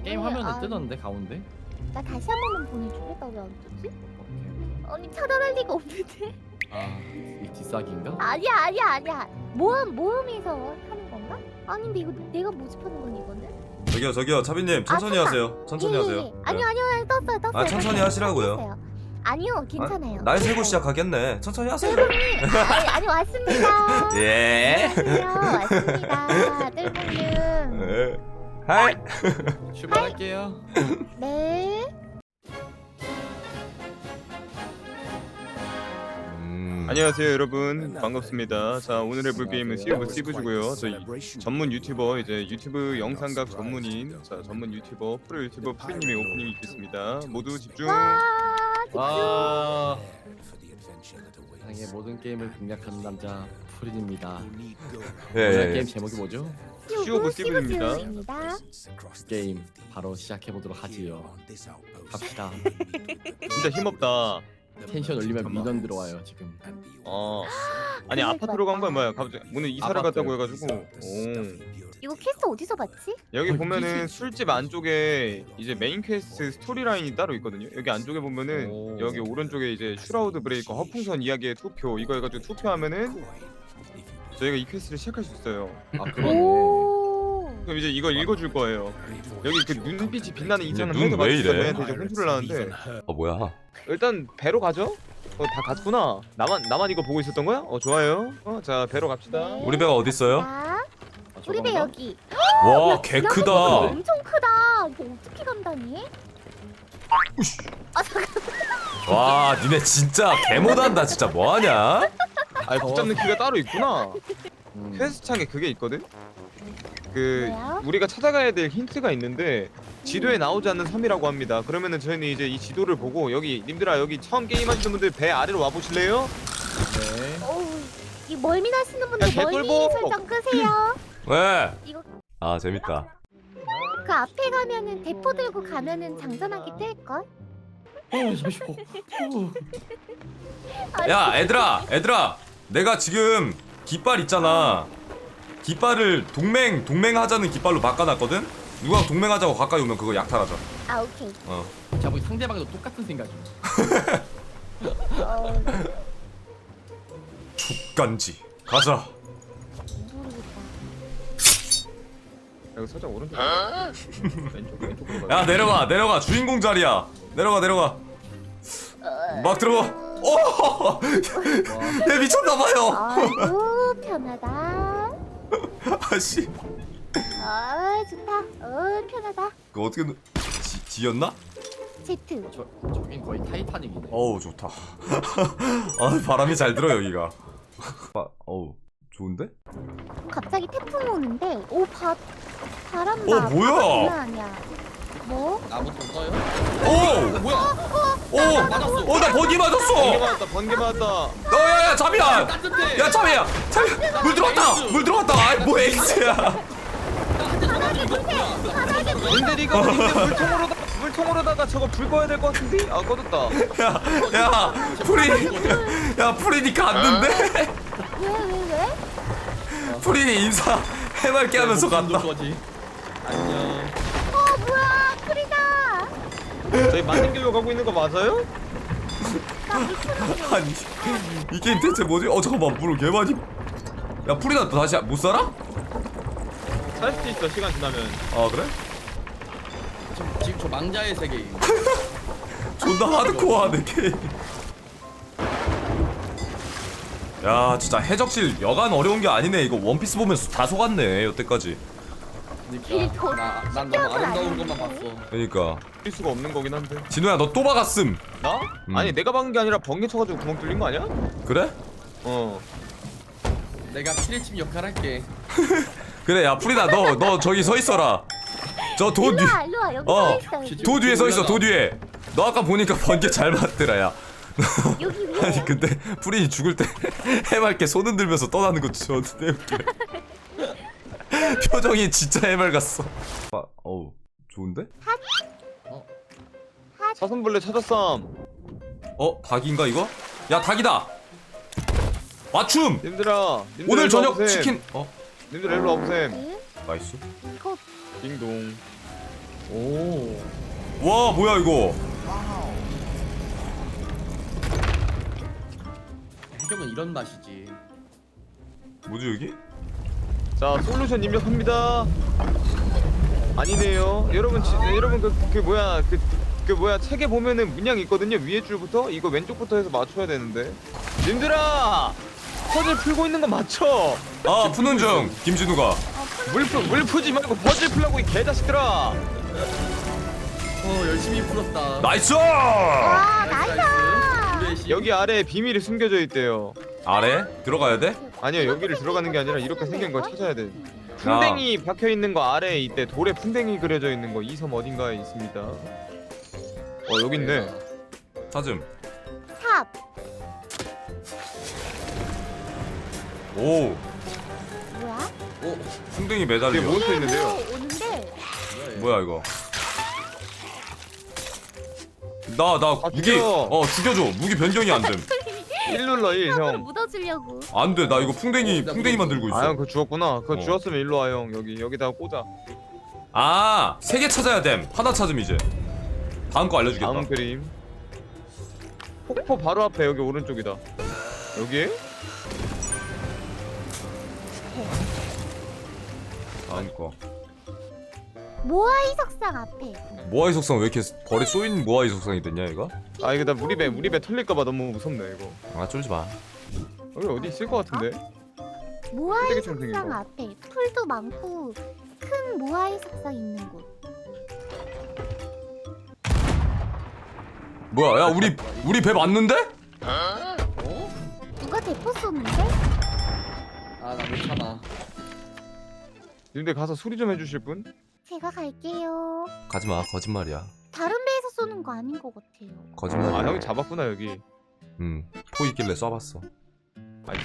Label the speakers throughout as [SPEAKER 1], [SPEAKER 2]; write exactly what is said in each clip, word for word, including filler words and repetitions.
[SPEAKER 1] 게임
[SPEAKER 2] 왜
[SPEAKER 1] 화면에
[SPEAKER 2] 안-
[SPEAKER 1] 뜨던데 가운데?
[SPEAKER 2] 나 다시 한 번만 보내줄래? 나 왜 안 뜨지?
[SPEAKER 1] 오케이.
[SPEAKER 2] 아니 차단할 리가 없는데.
[SPEAKER 1] 아 이게 뒷사기인가?
[SPEAKER 2] 아니야 아니야 아니야. 모험 모험에서 하는 건가? 아닌데 이거 내가 모집하는 건 이거는?
[SPEAKER 3] 저기요 저기요 차비님 천천히
[SPEAKER 2] 아,
[SPEAKER 3] 하세요. 천천히
[SPEAKER 2] 예, 예,
[SPEAKER 3] 하세요.
[SPEAKER 2] 예. 아니요 아니요 떴어요 떴어요.
[SPEAKER 3] 아, 천천히
[SPEAKER 2] 떴어요.
[SPEAKER 3] 하시라고요.
[SPEAKER 2] 떴어요. 아니요 괜찮아요.
[SPEAKER 3] 날 세고 시작하겠네. 천천히 하세요.
[SPEAKER 2] 아니, 아니 왔습니다.
[SPEAKER 3] 예.
[SPEAKER 2] 안녕하세요 왔습니다. 뜰봉님.
[SPEAKER 3] 예. 하이.
[SPEAKER 1] 출발할게요.
[SPEAKER 2] 네.
[SPEAKER 3] 음.
[SPEAKER 4] 안녕하세요 여러분 반갑습니다. 자 오늘 해볼 게임은 씨 오브 씨브즈고요. 저희 전문 유튜버 이제 유튜브 영상각 전문인 자 전문 유튜버 프로 유튜버 프리님의 오프닝이 있겠습니다. 모두 집중.
[SPEAKER 2] 와 집중.
[SPEAKER 1] 와 세상의 모든 게임을 공략하는 남자 프린입니다.
[SPEAKER 3] 예,
[SPEAKER 1] 오늘
[SPEAKER 3] 예,
[SPEAKER 1] 게임
[SPEAKER 3] 예.
[SPEAKER 1] 제목이 뭐죠?
[SPEAKER 4] 씨 오브 씨브즈입니다.
[SPEAKER 2] 씨브즈입니다.
[SPEAKER 1] 게임 바로 시작해 보도록 하지요. 갑시다.
[SPEAKER 4] 진짜 힘없다.
[SPEAKER 1] 텐션 올리면
[SPEAKER 4] 잠깐만.
[SPEAKER 1] 민원 들어와요 지금.
[SPEAKER 4] 어 아니 아파트로 간 거야 뭐야? 갑자기 오늘 이사를
[SPEAKER 1] 아파트.
[SPEAKER 4] 갔다고 해가지고. 오
[SPEAKER 2] 이거 퀘스트 어디서 봤지?
[SPEAKER 4] 여기
[SPEAKER 1] 어,
[SPEAKER 4] 보면은
[SPEAKER 1] 이게-
[SPEAKER 4] 술집 안쪽에 이제 메인 퀘스트 스토리 라인이 따로 있거든요. 여기 안쪽에 보면은
[SPEAKER 1] 오.
[SPEAKER 4] 여기 오른쪽에 이제 슈라우드 브레이커 허풍선 이야기의 투표 이거 해가지고 투표하면은 저희가 이 퀘스트를 시작할 수 있어요.
[SPEAKER 1] 아 그러네.
[SPEAKER 2] 오.
[SPEAKER 4] 그럼 이제 이걸 읽어줄 거예요. 여기 그 눈빛이 빛나는 이장을
[SPEAKER 3] 눈
[SPEAKER 4] 해서
[SPEAKER 3] 왜
[SPEAKER 4] 맞추다
[SPEAKER 3] 이래?
[SPEAKER 4] 얘한테 이제 혼쭐을 나는데
[SPEAKER 3] 어 뭐야?
[SPEAKER 4] 일단 배로 가죠? 어 다 갔구나. 나만 나만 이거 보고 있었던 거야? 어 좋아요. 어자 배로 갑시다.
[SPEAKER 2] 네.
[SPEAKER 3] 우리 배가 어디 있어요?
[SPEAKER 2] 자,
[SPEAKER 1] 아,
[SPEAKER 2] 우리 배
[SPEAKER 1] 저건가?
[SPEAKER 2] 여기.
[SPEAKER 3] 와, 개
[SPEAKER 2] 야,
[SPEAKER 3] 크다.
[SPEAKER 2] 엄청 크다. 이거 어떻게 간다니? 아 잠깐.
[SPEAKER 3] 와, 니네 진짜 개 못한다. 진짜 뭐 하냐?
[SPEAKER 4] 아 붙잡는 키가 따로 있구나.
[SPEAKER 1] 음.
[SPEAKER 4] 퀘스트 창에 그게 있거든. 그
[SPEAKER 2] 뭐야?
[SPEAKER 4] 우리가 찾아가야 될 힌트가 있는데 지도에 나오지 않는 섬이라고 합니다. 그러면은 저희는 이제 이 지도를 보고 여기 님들아 여기 처음 게임 하시는 분들 배 아래로 와 보실래요?
[SPEAKER 1] 네.
[SPEAKER 2] 어우, 이 멀미 나시는 분들
[SPEAKER 4] 야,
[SPEAKER 2] 멀미
[SPEAKER 4] 개꿀보.
[SPEAKER 2] 설정 끄세요.
[SPEAKER 3] 왜?
[SPEAKER 2] 이거
[SPEAKER 3] 아 재밌다.
[SPEAKER 2] 그 앞에 가면은 대포 들고 가면은 장전하기 뜰 걸.
[SPEAKER 1] 어 잠시만. 어.
[SPEAKER 3] 야, 애들아, 애들아. 내가 지금 깃발 있잖아. 깃발을 동맹 동맹하자는 깃발로 바꿔놨거든. 누가 동맹하자고 가까이 오면 그거 약탈하자.
[SPEAKER 2] 아 오케이.
[SPEAKER 3] 어.
[SPEAKER 1] 자, 우리 상대방도 똑같은 생각이야.
[SPEAKER 2] 어,
[SPEAKER 3] 족간지. 가자.
[SPEAKER 2] 모르겠다.
[SPEAKER 4] 여기 살짝 오른쪽. 왼쪽 왼쪽으로 가.
[SPEAKER 3] 야, 내려가, 내려가. 주인공 자리야. 내려가, 내려가. 막 들어가. 오! 얘 미쳤나봐요.
[SPEAKER 2] 아이고 편하다.
[SPEAKER 3] 아씨.
[SPEAKER 2] 아 좋다. 어 편하다.
[SPEAKER 3] 그거 어떻게 누- 지, 지였나?
[SPEAKER 2] 제트.
[SPEAKER 1] 저 저긴 거의 타이타닉이네.
[SPEAKER 3] 어우 좋다. 아 바람이 잘 들어 여기가. 아, 어우 좋은데?
[SPEAKER 2] 갑자기 태풍 오는데 오 바, 바람
[SPEAKER 3] 어,
[SPEAKER 2] 나.
[SPEAKER 3] 뭐야?
[SPEAKER 2] 바람 장난 아니야. 뭐?
[SPEAKER 1] 나부터 써요?
[SPEAKER 3] 오!
[SPEAKER 1] 뭐야?
[SPEAKER 3] 오!
[SPEAKER 1] 맞았어.
[SPEAKER 3] 어 나 번개
[SPEAKER 4] 번개
[SPEAKER 3] 맞았어.
[SPEAKER 4] 맞았다. 번개 맞았다.
[SPEAKER 3] 어야야 잠이야.
[SPEAKER 1] 따뜻해.
[SPEAKER 3] 야 잠이야. 잠이야. 물 들어왔다. 물 들어왔다. 아이 뭐 엑스야.
[SPEAKER 4] 님들 이거 님들 물통으로 물통으로다가 저거 불 꺼야 될 것 같은데? 아 꺼졌다.
[SPEAKER 3] 야야 프리. 야 프리니 갔는데?
[SPEAKER 2] 왜 왜 왜?
[SPEAKER 3] 프리니 인사 해맑게 하면서 갔다.
[SPEAKER 1] 거지. 안녕.
[SPEAKER 2] 어 뭐야 프리다.
[SPEAKER 4] 저희 만든 길로 가고 있는 거 맞아요?
[SPEAKER 2] 나 미쳤어.
[SPEAKER 3] 아니 이 게임 대체 뭐지? 어 잠깐만 물을 개 많이. 야 프리나 또 다시 못 살아?
[SPEAKER 4] 살 수도 있어 시간 지나면.
[SPEAKER 3] 아 그래?
[SPEAKER 1] 지금, 지금 저 망자의 세계임.
[SPEAKER 3] 존나 하드코어하네 게임. 야 진짜 해적실 여간 어려운 게 아니네. 이거 원피스 보면서 다 속았네 여태까지.
[SPEAKER 2] 길 더-
[SPEAKER 1] 그러니까 나, 난 너무
[SPEAKER 2] 신기한 건
[SPEAKER 1] 아름다운
[SPEAKER 2] 아닌데.
[SPEAKER 1] 것만 봤어.
[SPEAKER 3] 그러니까
[SPEAKER 4] 뛸 수가 없는 거긴 한데.
[SPEAKER 3] 진우야 너 또 박았음.
[SPEAKER 4] 나?
[SPEAKER 3] 음.
[SPEAKER 4] 아니 내가 박은 게 아니라 번개 쳐가지고 구멍 뚫린 거 아니야?
[SPEAKER 3] 그래?
[SPEAKER 4] 어.
[SPEAKER 1] 내가 피레침 역할 할게.
[SPEAKER 3] 그래 야 프리다 너 너 저기 서 있어라. 저 도 뒤.
[SPEAKER 2] 일로와 일로와 여기
[SPEAKER 3] 어.
[SPEAKER 2] 서 있어. 여기.
[SPEAKER 3] 도 뒤에 서 있어 도 뒤에. 너 아까 보니까 번개 잘 맞더라 야.
[SPEAKER 2] 여기 위에.
[SPEAKER 3] 아니 근데 프린이 죽을 때 해맑게 손 흔들면서 떠나는 거 존나 웃기네. 표정이 진짜 해맑았어. 아, 어우 좋은데?
[SPEAKER 4] 사슴벌레 찾았삼.
[SPEAKER 3] 어 닭인가 이거? 야 닭이다. 맞춤.
[SPEAKER 4] 님들아. 님들
[SPEAKER 3] 오늘
[SPEAKER 4] 일로
[SPEAKER 3] 저녁
[SPEAKER 4] 와보셈.
[SPEAKER 3] 치킨. 어
[SPEAKER 4] 님들 일로 와보셈.
[SPEAKER 2] 네?
[SPEAKER 3] 나이스.
[SPEAKER 2] 이거
[SPEAKER 4] 딩동.
[SPEAKER 1] 오.
[SPEAKER 3] 와 뭐야 이거.
[SPEAKER 1] 해적은 이런 맛이지.
[SPEAKER 3] 뭐지 여기?
[SPEAKER 4] 자 솔루션 입력합니다. 아니네요. 여러분 지, 여러분 그, 그 뭐야 그, 그 뭐야 책에 보면은 문양이 있거든요. 위에 줄부터 이거 왼쪽부터 해서 맞춰야 되는데. 님들아 퍼즐 풀고 있는 거 맞춰.
[SPEAKER 3] 아 푸는 중 김진우가.
[SPEAKER 4] 물, 푸, 물 푸지 말고 퍼즐 풀라고 이 개자식들아.
[SPEAKER 1] 어 열심히 풀었다.
[SPEAKER 3] 나이스.
[SPEAKER 2] 와 나이스.
[SPEAKER 1] 나이스.
[SPEAKER 4] 여기 아래에 비밀이 숨겨져 있대요.
[SPEAKER 3] 아래 들어가야 돼?
[SPEAKER 4] 아니요 여기를 들어가는 게 아니라 이렇게 생긴 걸 찾아야 돼. 풍뎅이 박혀 있는 거 아래에 있대. 돌에 풍뎅이 그려져 있는 거 이 섬 어딘가에 있습니다. 어 여기 있네.
[SPEAKER 3] 찾음.
[SPEAKER 2] 삽.
[SPEAKER 3] 오
[SPEAKER 2] 뭐야?
[SPEAKER 1] 오.
[SPEAKER 3] 풍뎅이
[SPEAKER 4] 이게
[SPEAKER 3] 매달려.
[SPEAKER 4] 몬스터 있는데요.
[SPEAKER 2] 뭐 오는데.
[SPEAKER 3] 뭐야 이거? 나 나
[SPEAKER 4] 아,
[SPEAKER 3] 무기
[SPEAKER 4] 죽여.
[SPEAKER 3] 어 죽여줘. 무기 변경이 안 됨.
[SPEAKER 4] 일 눌러 일
[SPEAKER 2] 삽으로
[SPEAKER 4] 형.
[SPEAKER 2] 묻어주려고.
[SPEAKER 3] 안 돼. 나 이거 풍뎅이 풍뎅이 만들고 있어.
[SPEAKER 4] 아 형 그거 주웠구나. 그거
[SPEAKER 3] 어.
[SPEAKER 4] 주웠으면 일로 와 형. 여기 여기다가 꽂아.
[SPEAKER 3] 아, 세 개 찾아야 됨. 하나 찾음 이제. 다음 거 알려주겠다.
[SPEAKER 4] 다음 그림. 폭포 바로 앞에 여기 오른쪽이다. 여기?
[SPEAKER 3] 다음 거.
[SPEAKER 2] 모아이 석상 앞에.
[SPEAKER 3] 모아이 속성 왜 이렇게 벌에 쏘인 모아이 속성이 됐냐 이거?
[SPEAKER 4] 아 이거 나 우리 배 우리 배 털릴까봐 너무 무섭네 이거.
[SPEAKER 3] 아 쫄지 마.
[SPEAKER 4] 여기 어디 있을 것 같은데?
[SPEAKER 2] 모아이
[SPEAKER 4] 쓰레기통 생긴
[SPEAKER 2] 석상
[SPEAKER 4] 거.
[SPEAKER 2] 앞에 풀도 많고 큰 모아이 석상 있는 곳.
[SPEAKER 3] 뭐야? 야 우리 우리 배 맞는데?
[SPEAKER 1] 어?
[SPEAKER 2] 누가 대포 쏘는데?
[SPEAKER 1] 아나 못 참아.
[SPEAKER 4] 님들 가서 수리 좀 해주실 분?
[SPEAKER 2] 제가 갈게요.
[SPEAKER 3] 가지 마. 거짓말이야.
[SPEAKER 2] 다른 배에서 쏘는 거 아닌 것 같아요.
[SPEAKER 4] 아
[SPEAKER 3] 거짓말이야.
[SPEAKER 4] 형이 잡았구나 여기.
[SPEAKER 3] 음. 포 있길래 쏴봤어.
[SPEAKER 4] 아이.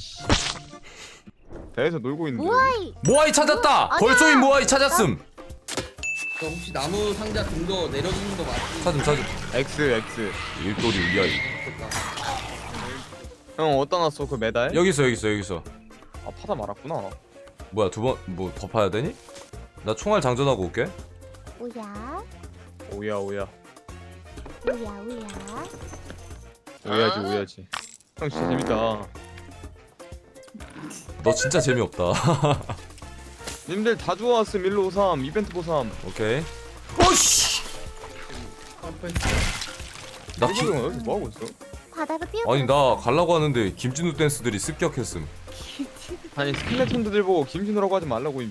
[SPEAKER 4] 배에서 놀고 있는데.
[SPEAKER 2] 모아이.
[SPEAKER 3] 모아이 찾았다.
[SPEAKER 2] 아니야.
[SPEAKER 3] 벌 쏘인 모아이 찾았음.
[SPEAKER 1] 저 혹시 나무 상자 근거 내려주는 거 맞지?
[SPEAKER 3] 찾음 찾음.
[SPEAKER 4] X X.
[SPEAKER 3] 일돌이 위아이.
[SPEAKER 4] 형 어디다 놨어 그 메달?
[SPEAKER 3] 여기 있어 여기 있어 여기 있어.
[SPEAKER 4] 아 파다 말았구나.
[SPEAKER 3] 뭐야 두 번 뭐 더 파야 되니? 나 총알 장전하고 올게.
[SPEAKER 2] 오야.
[SPEAKER 4] 오야 오야.
[SPEAKER 2] 오야 오야.
[SPEAKER 4] 오야지 오야지. 형 진짜 재밌다.
[SPEAKER 3] 너 진짜 재미없다.
[SPEAKER 4] 님들 다 주워왔음 일로 오삼 이벤트 보삼.
[SPEAKER 3] 오케이. 오씨. 나 기...
[SPEAKER 4] 일본 형 여기서 뭐 하고 있어?
[SPEAKER 2] 바다로 뛰어.
[SPEAKER 3] 아니 나 갈라고 하는데 김진우 댄스들이 습격했음.
[SPEAKER 4] 아니 스켈레톤들 보고 김진우라고 하지 말라고 임.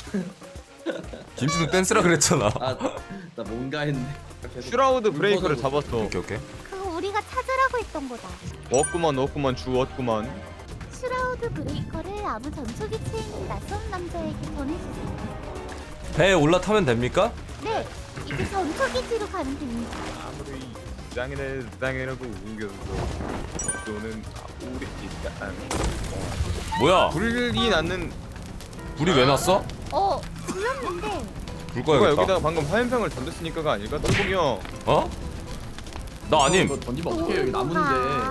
[SPEAKER 3] 김진우 댄스라 그랬잖아.
[SPEAKER 1] 아나 뭔가 했네.
[SPEAKER 4] 슈라우드 브레이크를 잡았어.
[SPEAKER 3] 오케이 오케이.
[SPEAKER 2] 그거 우리가 찾으라고 했던 거다.
[SPEAKER 4] 얻구만 얻구만 주웠구만.
[SPEAKER 2] 슈라우드 브레이커를 아무 전초기 체인 낯선 남자에게 전해주세요.
[SPEAKER 3] 배에 올라타면 됩니까?
[SPEAKER 2] 네, 이제 전초기지로 가면 됩니다.
[SPEAKER 4] 아무리 짱이네 짱이라고 우겨도 또는 우리 일단
[SPEAKER 3] 뭐야?
[SPEAKER 4] 불이 났는.
[SPEAKER 3] 불이 왜 났어?
[SPEAKER 2] 어, 불렀는데
[SPEAKER 3] 불
[SPEAKER 4] 누가
[SPEAKER 3] 꺼야겠다.
[SPEAKER 4] 여기다가 방금 화염병을 던졌으니까가 아닐까? 똘봉이 형.
[SPEAKER 3] 어? 나 아님.
[SPEAKER 1] 이거 던지면 어떡해 여기 나무인데.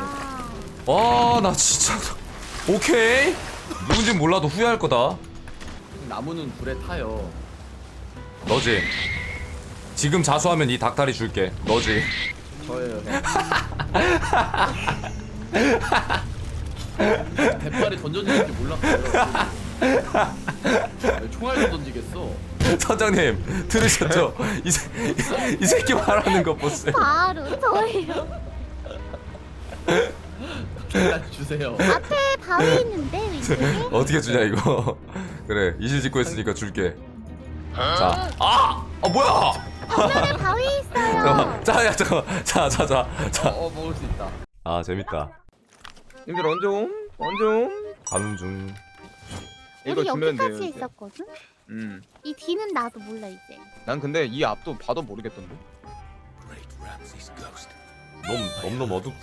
[SPEAKER 3] 아 나 진짜. 오케이. 누군진 몰라도 후회할 거다.
[SPEAKER 1] 나무는 불에 타요.
[SPEAKER 3] 너지. 지금 자수하면 이 닭다리 줄게. 너지.
[SPEAKER 1] 저예요. 백발에 던져지는 줄 몰랐어요. 총알도 던지겠어.
[SPEAKER 3] 선장님 들으셨죠? 이, 새, 이 새끼 말하는 거 보세요.
[SPEAKER 2] 바로 저예요.
[SPEAKER 1] 계단 주세요.
[SPEAKER 2] 앞에 바위 있는데 왼쪽에.
[SPEAKER 3] 어떻게 주냐 이거. 그래 이실 짓고 했으니까 줄게. 자, 아, 아 뭐야?
[SPEAKER 2] 앞면에 바위 있어요.
[SPEAKER 3] 잠깐만, 자, 야 잠깐만, 자, 자, 자,
[SPEAKER 1] 어,
[SPEAKER 3] 자.
[SPEAKER 1] 어 먹을 수 있다.
[SPEAKER 3] 아 재밌다.
[SPEAKER 4] 님들 언제 옴? 언제 옴?
[SPEAKER 3] 가는 중.
[SPEAKER 4] 이거
[SPEAKER 2] 우리
[SPEAKER 4] 주면 돼요.
[SPEAKER 2] 여기까지
[SPEAKER 4] 이제.
[SPEAKER 2] 있었거든.
[SPEAKER 4] 음.
[SPEAKER 2] 이 뒤는 나도 몰라 이제.
[SPEAKER 4] 난 근데 이 앞도 봐도 모르겠던데.
[SPEAKER 3] 너무 너무 어둡다.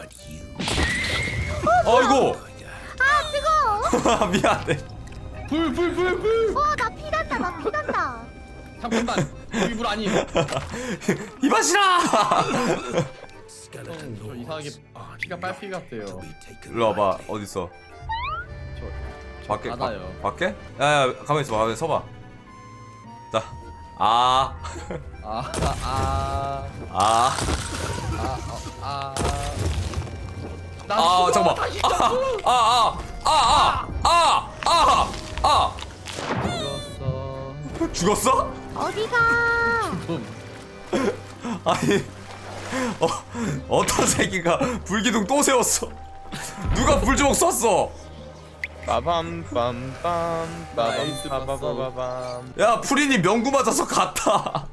[SPEAKER 3] 아이고.
[SPEAKER 2] 아 뜨거.
[SPEAKER 3] 미안해.
[SPEAKER 1] 불, 불, 불, 불.
[SPEAKER 2] 어, 나 피난다, 나 피난다.
[SPEAKER 1] 잠깐만. 여기 불 아님.
[SPEAKER 3] 이봐시라.
[SPEAKER 1] 형, 저 이상하게 피가 빨피 같아요.
[SPEAKER 3] 일로 와봐. 어디 있어?
[SPEAKER 1] 저
[SPEAKER 3] 밖에.
[SPEAKER 1] 바다요.
[SPEAKER 3] 바, 밖에? 야야 가만 있어봐. 가만 서봐. 자, 아,
[SPEAKER 1] 아, 아,
[SPEAKER 3] 아,
[SPEAKER 1] 아, 아.
[SPEAKER 3] 아, 잠깐만. 아, 아, 아, 아, 아, 아, 아, 아.
[SPEAKER 1] 죽었어.
[SPEAKER 3] 죽었어?
[SPEAKER 2] 어디가?
[SPEAKER 1] 좀.
[SPEAKER 3] 아니, 어, 어떤 새끼가 불기둥 또 세웠어? 누가 불주먹 쐈어?
[SPEAKER 4] 빠밤 빰빰
[SPEAKER 1] 나이스
[SPEAKER 4] 빠밤 빠바바밤.
[SPEAKER 3] 야, 프리님 명구 맞아서 갔다.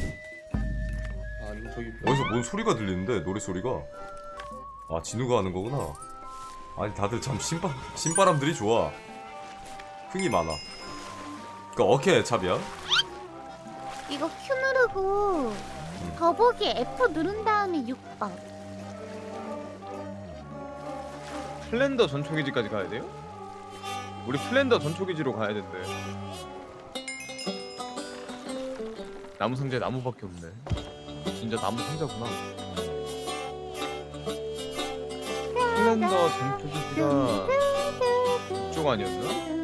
[SPEAKER 1] 아니 저기
[SPEAKER 3] 어디서 뭔 소리가 들리는데 노래 소리가? 아, 진우가 하는 거구나. 아니, 다들 참 신바 신바람들이 좋아. 흥이 많아. 그니까 어케 잡이야?
[SPEAKER 2] 이거 Q 누르고 더보기 F 누른 다음에 육 번.
[SPEAKER 4] 플랜더 전초기지까지 가야 돼요? 우리 플랜더 전초기지로 가야 된대. 나무 상자에 나무밖에 없네. 진짜 나무 상자구나. 플랜더 전초기지가 이쪽 아니었나?